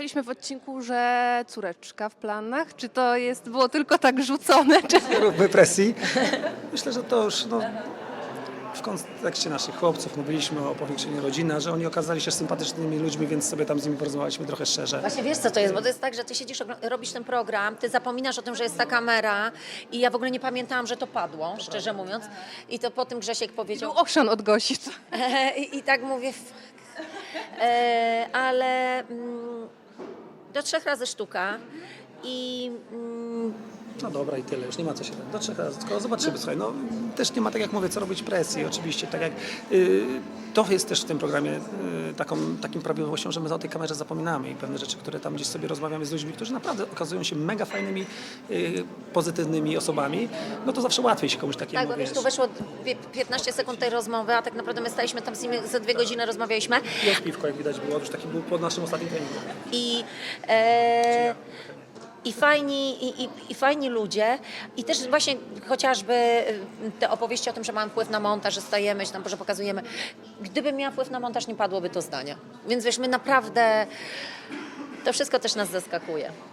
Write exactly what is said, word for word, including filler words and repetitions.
słyszeliśmy w odcinku, że córeczka w planach. Czy to jest, było tylko tak rzucone? Czy... Nie róbmy presji. Myślę, że to już no, w kontekście naszych chłopców mówiliśmy o powiększeniu rodziny, że oni okazali się sympatycznymi ludźmi, więc sobie tam z nimi porozmawialiśmy trochę szczerze. Właśnie wiesz co to jest, bo to jest tak, że ty siedzisz, ogl- robisz ten program, ty zapominasz o tym, że jest ta kamera i ja w ogóle nie pamiętałam, że to padło, szczerze mówiąc. I to po tym Grzesiek powiedział, Był ochrzan od gości. I, I tak mówię, fuck. E, ale mm, do trzech razy sztuka i mm, No dobra i tyle, już nie ma co się do trzech razy, tylko zobaczymy, słuchaj, no też nie ma tak jak mówię, co robić presji, oczywiście, tak jak y, to jest też w tym programie y, taką, takim prawidłowością, że my o tej kamerze zapominamy i pewne rzeczy, które tam gdzieś sobie rozmawiamy z ludźmi, którzy naprawdę okazują się mega fajnymi, y, pozytywnymi osobami, no to zawsze łatwiej się komuś takiemu, tak, bo wiesz, tu weszło dwie- piętnaście sekund tej rozmowy, a tak naprawdę my staliśmy tam z nimi, ze dwie godziny rozmawialiśmy I piwko, jak widać było, już taki był po naszym ostatnim treningu. i e, I fajni, i, i, i fajni ludzie i też właśnie chociażby te opowieści o tym, że mamy wpływ na montaż, że stajemy się tam, że pokazujemy. Gdybym miała wpływ na montaż, nie padłoby to zdania. Więc wiesz, my naprawdę, to wszystko też nas zaskakuje.